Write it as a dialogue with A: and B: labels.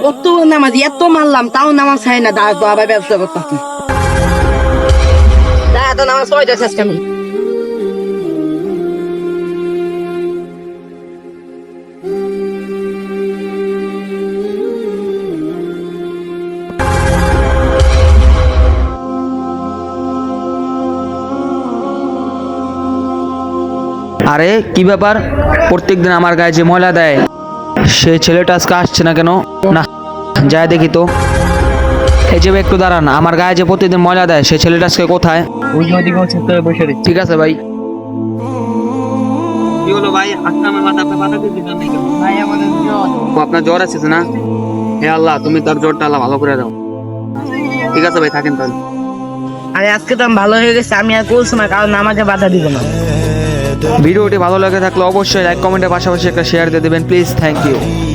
A: কত নামাজ এত মারলাম তাও নামাজ হয় না, দাঁড়া তো আবার ব্যবসা করতাম। দাঁড়া তো নামাজ পড়াইতেছে আজকে আমি।
B: আরে কি ব্যাপার, প্রত্যেকদিন আমার গায়ে যে ময়লা দেয় সে ছেলেটা আজকে আসছে না কেন? না যাই দেখি তো। এই যে ভাই, একটু দাঁড়ান, আমার গায়ে যে প্রতিদিন ময়লা দেয় সে ছেলেটা আজকে কোথায়? ঠিক আছে ভাই। কি হলো ভাই, আজকে আমার মাথা দিলেন নাকি?
A: ভাই আমাদের
B: ও, আপনার জ্বর আছে না? হে আল্লাহ, তুমি তার জ্বরটা আল্লাহ ভালো করে দাও। ঠিক আছে ভাই, থাকেন তাহলে।
A: আরে আজকে তো আমি ভালো হয়ে গেছে, আমি আর করছি না, কারণ নামাজে বাধা দিব না।
B: ভিডিওটি ভালো লাগে থাকলে অবশ্যই লাইক কমেন্টের পাশাপাশি একটা শেয়ার দিয়ে দেবেন প্লিজ। Thank you.